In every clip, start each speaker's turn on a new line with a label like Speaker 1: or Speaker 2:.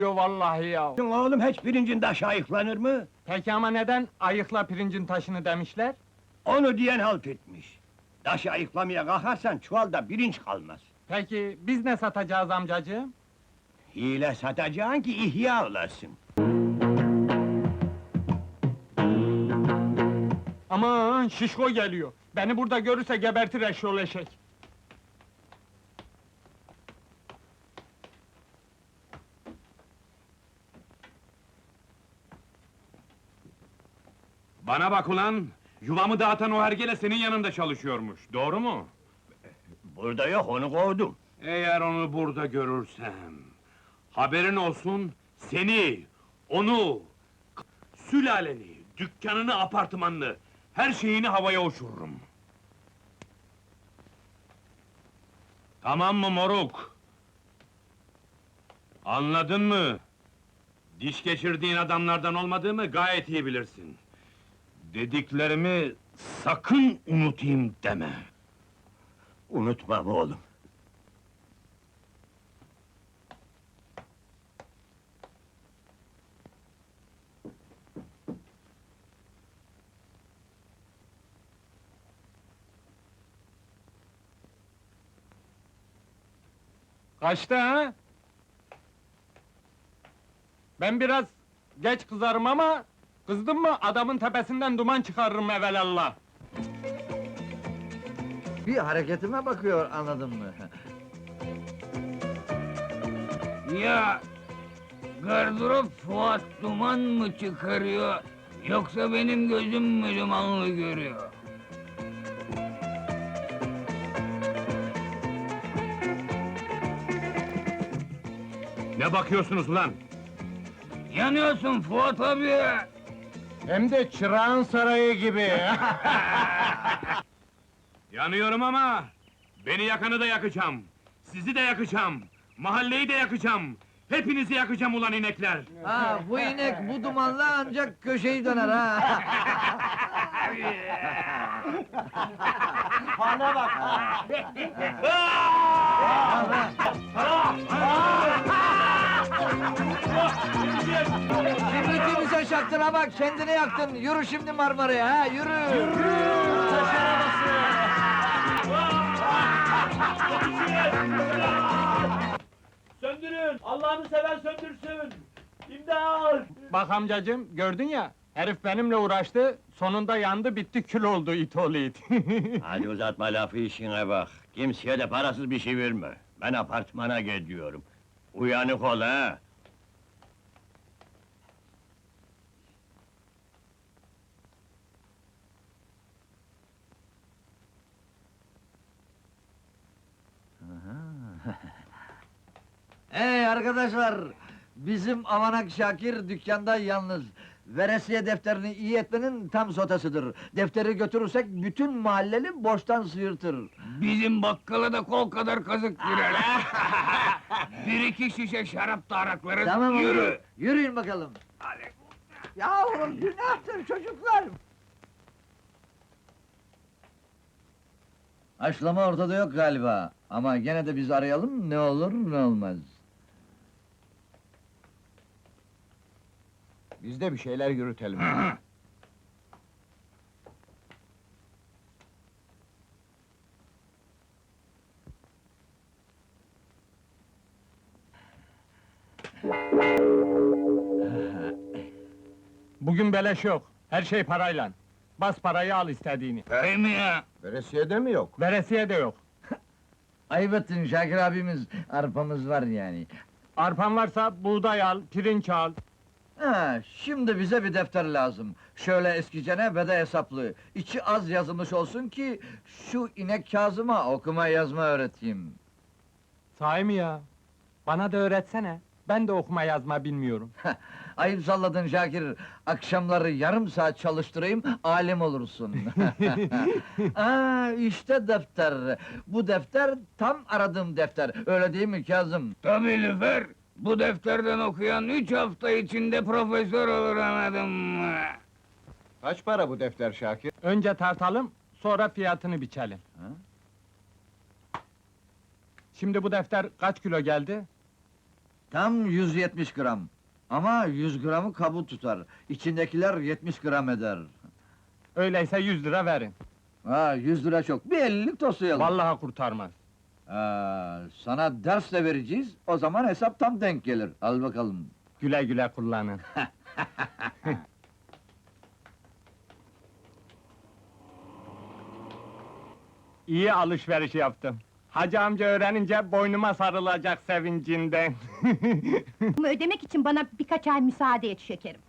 Speaker 1: Yo vallahi ya.
Speaker 2: Oğlum hiç pirincin taşı ayıklanır mı?
Speaker 1: Peki ama neden ayıkla pirincin taşını demişler?
Speaker 2: Onu diyen halt etmiş. Taşı ayıklamaya kalkarsan çuvalda pirinç kalmaz.
Speaker 1: Peki biz ne satacağız amcacığım?
Speaker 2: Hile satacaksın ki ihya olasın.
Speaker 1: Aman şişko geliyor. Beni burada görürse gebertir eşyol eşek.
Speaker 3: Bana bak ulan! Yuvamı dağıtan o hergele senin yanında çalışıyormuş, doğru mu?
Speaker 2: Burada yok, onu kovdum.
Speaker 3: Eğer onu burada görürsem... Haberin olsun, seni, onu... Sülaleni, dükkanını, apartmanını... Her şeyini havaya uçururum. Tamam mı moruk? Anladın mı? Diş geçirdiğin adamlardan olmadığımı gayet iyi bilirsin. Dediklerimi sakın unutayım deme.
Speaker 2: Unutmam oğlum.
Speaker 1: Kaçta ha? Ben biraz geç kızarım ama... Kızdım mı adamın tepesinden duman çıkarırım evelallah.
Speaker 4: Bir hareketime bakıyor, anladın mı?
Speaker 5: Ya gardırop Fuat duman mı çıkarıyor, yoksa benim gözüm mü dumanlı görüyor?
Speaker 3: Ne bakıyorsunuz ulan?
Speaker 5: Yanıyorsun Fuat abi!
Speaker 1: Hem de çırağın sarayı gibi.
Speaker 3: Yanıyorum ama... Beni yakanı da yakacağım. Sizi de yakacağım. Mahalleyi de yakacağım. Hepinizi yakacağım ulan inekler!
Speaker 4: Ha, bu inek bu dumanla ancak köşeyi döner ha! Kibriti bize şaktına bak, kendini yaktın! Yürü şimdi Marmara'ya ha, yürü!
Speaker 6: Söndürün! Allah'ını seven söndürsün! İmdat!
Speaker 1: Bak amcacığım, gördün ya... Herif benimle uğraştı, sonunda yandı, bitti, kül oldu it oğlu it.
Speaker 2: Hadi uzatma lafı, işine bak. Kimseye de parasız bir şey verme. Ben apartmana gidiyorum. Uyanık ol ha!
Speaker 4: Hey arkadaşlar! Bizim Avanak Şakir dükkanda yalnız. Veresiye defterini iyi etmenin tam sotasıdır. Defteri götürürsek bütün mahalleli borçtan sıyırtır.
Speaker 5: Bizim bakkala da kol kadar kazık girer. Bir iki şişe şarap da araklarız,
Speaker 4: Tamam
Speaker 5: yürü!
Speaker 4: yürü! Yürüyün bakalım! Yavrum günahtır çocuklar! Haşlama ortada yok galiba. Ama gene de biz arayalım, ne olur ne olmaz.
Speaker 1: Biz de bir şeyler yürütelim. Bugün beleş yok, her şey parayla. Bas parayı al istediğini.
Speaker 5: Öyle mi ya?
Speaker 1: Veresiyede mi yok? Veresiye de yok.
Speaker 4: Ayıp ettin Şakir abimiz, arpamız var yani.
Speaker 1: Arpan varsa buğday al, pirinç al.
Speaker 4: Ha, şimdi bize bir defter lazım. Şöyle eskicene ve de hesaplı. İçi az yazılmış olsun ki... ...şu inek Kazım'a okuma yazma öğreteyim.
Speaker 1: Sahi mi ya? Bana da öğretsene. Ben de okuma yazma bilmiyorum.
Speaker 4: Ayıp salladın Şakir. Akşamları yarım saat çalıştırayım, alim olursun. Aa, işte defter. Bu defter tam aradığım defter. Öyle değil mi Kazım?
Speaker 5: Tabii Lüfer! Bu defterden okuyan 3 hafta içinde profesör olur, anladın mı?
Speaker 1: Kaç para bu defter Şakir? Önce tartalım, sonra fiyatını biçelim.
Speaker 4: Ha?
Speaker 1: Şimdi bu defter kaç kilo geldi?
Speaker 4: Tam 170 gram. Ama 100 gramı kabuk tutar. İçindekiler 70 gram eder.
Speaker 1: Öyleyse 100 lira verin.
Speaker 4: Ha, 100 lira çok. Bir 50'lik toslayalım.
Speaker 1: Vallahi kurtarmaz.
Speaker 4: Sana ders de vereceğiz. O zaman hesap tam denk gelir. Al bakalım.
Speaker 1: Güle güle kullanın. İyi alışveriş yaptım. Hacı amca öğrenince boynuma sarılacak sevincinden.
Speaker 7: Bunu ödemek için bana birkaç ay müsaade et şekerim.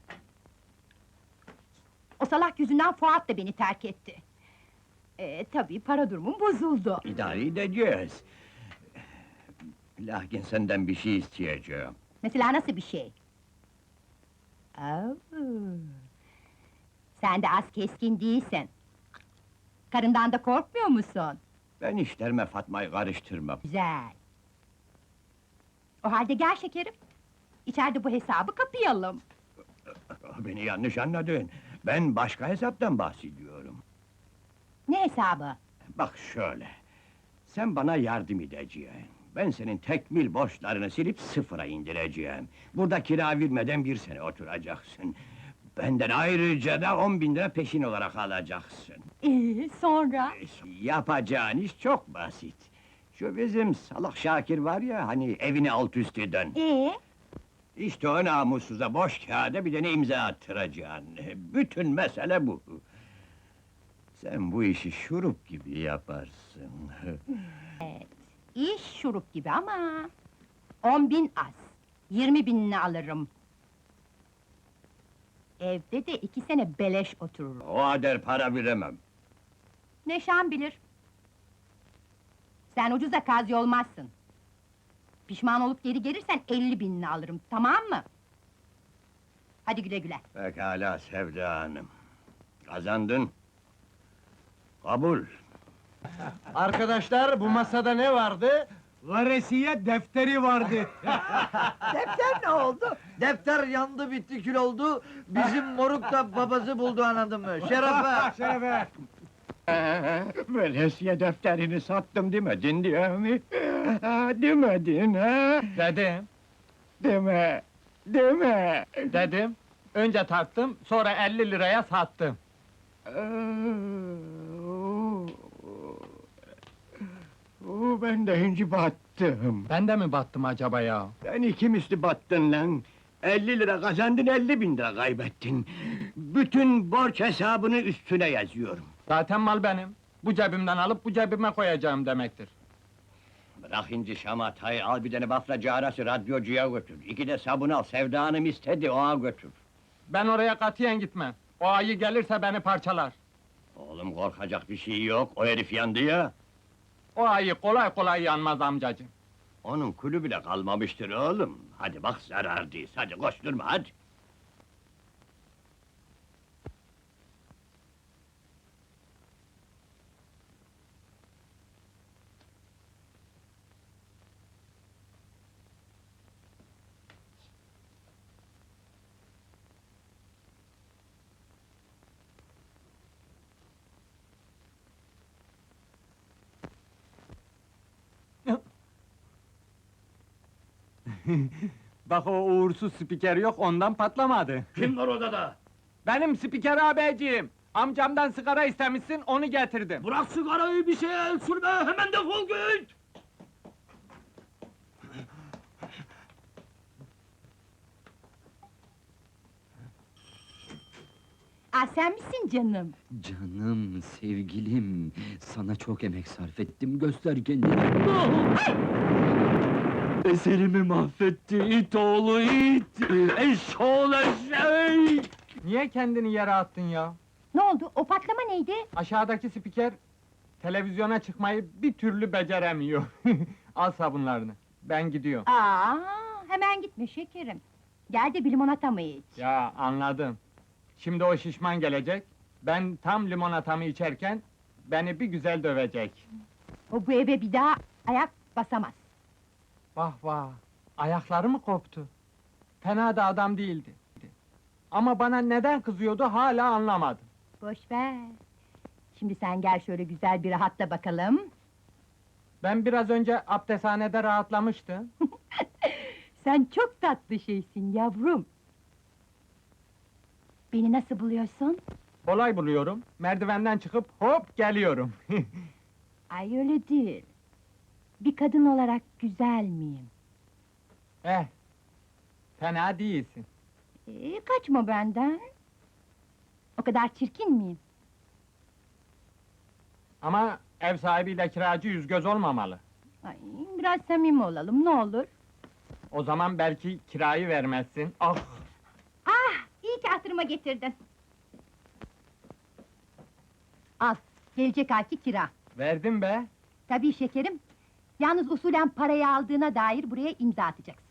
Speaker 7: O salak yüzünden Fuat da beni terk etti. Tabii para durumum bozuldu.
Speaker 2: İdare edeceğiz. Lakin senden bir şey isteyeceğim.
Speaker 7: Mesela nasıl bir şey? Sen de az keskin değilsin. Karından da korkmuyor musun?
Speaker 2: Ben işlerime Fatma'yı karıştırmam.
Speaker 7: Güzel. O halde gel şekerim. İçeride bu hesabı kapayalım.
Speaker 2: Beni yanlış anladın. Ben başka hesaptan bahsediyorum.
Speaker 7: Ne hesabı?
Speaker 2: Bak şöyle. Sen bana yardım edeceksin. Ben senin tekmil borçlarını silip sıfıra indireceğim. Burada kira vermeden 1 sene oturacaksın. Benden ayrıca da 10.000 lira peşin olarak alacaksın.
Speaker 7: Sonra?
Speaker 2: Yapacağın iş çok basit. Şu bizim salak Şakir var ya, hani evini alt üst eden. İşte o namussuza boş kağıda bir tane imza attıracaksın. Bütün mesele bu. Sen bu işi şurup gibi yaparsın.
Speaker 7: İş şurup gibi ama... 10.000 az. 20.000'ini alırım. Evde de 2 sene beleş otururum.
Speaker 2: O kadar para veremem.
Speaker 7: Neşan bilir. Sen ucuza kazi olmazsın. Pişman olup geri gelirsen 50.000'ini alırım, tamam mı? Hadi güle güle.
Speaker 2: Pekala Sevda Hanım. Kazandın. Kabul.
Speaker 1: Arkadaşlar, bu masada ne vardı? Varesiye defteri vardı.
Speaker 4: Defter ne oldu? Defter yandı bitti kül oldu. Bizim moruk da babası buldu anladın mı? Şerefe!
Speaker 1: Şerefe!
Speaker 2: Veresiye defterini sattım demedin diye mi? Demedin ha?
Speaker 1: Dedim,
Speaker 2: Deme.
Speaker 1: dedim. Önce taktım, sonra 50 liraya sattım.
Speaker 2: Ben de önce battım.
Speaker 1: Ben de mi battım acaba ya?
Speaker 2: Ben iki misli battın lan. 50 lira kazandın, 50.000 lira kaybettin. Bütün borç hesabını üstüne yazıyorum.
Speaker 1: Zaten mal benim. Bu cebimden alıp bu cebime koyacağım demektir.
Speaker 2: Bırak inci şamatayı, al bir tane bafracı arası radyocuya götür. 2 de sabun al, Sevda Hanım istedi, ona götür.
Speaker 1: Ben oraya katiyen gitmem. O ayı gelirse beni parçalar.
Speaker 2: Oğlum korkacak bir şey yok, o herif yandı ya.
Speaker 1: O ayı kolay kolay yanmaz amcacığım.
Speaker 2: Onun kulü bile kalmamıştır oğlum. Hadi bak zarar değil, hadi koşturma hadi.
Speaker 1: Bak o uğursuz spiker yok, ondan patlamadı.
Speaker 3: Kim var odada?
Speaker 1: Benim spiker abeciğim! Amcamdan sigara istemişsin, onu getirdim.
Speaker 3: Bırak sigarayı, bir şeye el sürme, hemen defol git!
Speaker 7: Sen misin canım?
Speaker 8: Canım, sevgilim, sana çok emek sarf ettim, göster kendini. Eserimi mahvetti, it oğlu it! Eşoğlu eşek!
Speaker 1: Niye kendini yere attın ya?
Speaker 7: Ne oldu, o patlama neydi?
Speaker 1: Aşağıdaki spiker, televizyona çıkmayı bir türlü beceremiyor. Al sabunlarını, ben gidiyorum.
Speaker 7: Hemen gitme şekerim. Gel de bir limonata mı iç?
Speaker 1: Ya anladım. Şimdi o şişman gelecek, ben tam limonatamı içerken, beni bir güzel dövecek.
Speaker 7: O bu eve bir daha ayak basamaz.
Speaker 1: Vah vah, ayakları mı koptu? Fena da adam değildi. Ama bana neden kızıyordu hala anlamadım.
Speaker 7: Boş ver. Şimdi sen gel şöyle güzel bir rahatla bakalım.
Speaker 1: Ben biraz önce abdesthanede rahatlamıştım.
Speaker 7: Sen çok tatlı şeysin yavrum. Beni nasıl buluyorsun?
Speaker 1: Kolay buluyorum. Merdivenden çıkıp hop geliyorum.
Speaker 7: Ay öyle değil. Bir kadın olarak güzel miyim?
Speaker 1: Eh, fena değilsin.
Speaker 7: Kaçma benden. O kadar çirkin miyim?
Speaker 1: Ama ev sahibiyle kiracı yüz göz olmamalı.
Speaker 7: Ay, biraz samimi olalım, ne olur.
Speaker 1: O zaman belki kirayı vermezsin. Ah!
Speaker 7: Ah, iyi ki hatırıma getirdin. Al, gelecek ayki kira.
Speaker 1: Verdim be!
Speaker 7: Tabii şekerim. Yalnız usulen parayı aldığına dair buraya imza atacaksın.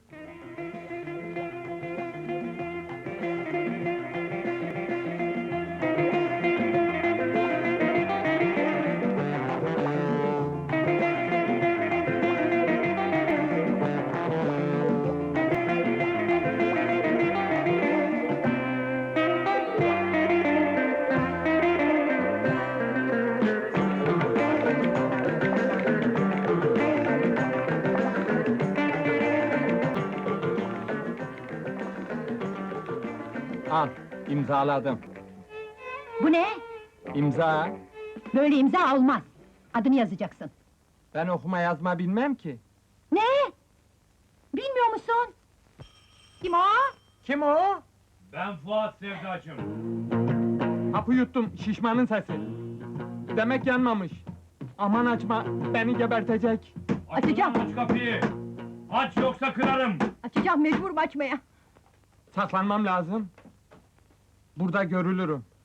Speaker 1: Al, imzaladım.
Speaker 7: Bu ne?
Speaker 1: İmza!
Speaker 7: Böyle imza olmaz. Adını yazacaksın.
Speaker 1: Ben okuma yazma bilmem ki.
Speaker 7: Ne? Bilmiyor musun? Kim o?
Speaker 1: Kim o?
Speaker 3: Ben Fuat Sevdacım.
Speaker 1: Hapı yuttum, şişmanın sesi. Demek yanmamış. Aman açma, beni gebertecek.
Speaker 7: Açacağım.
Speaker 3: Aç kapıyı! Aç yoksa kırarım!
Speaker 7: Açacağım, mecburum açmaya.
Speaker 1: Saklanmam lazım. Burada görülürüm.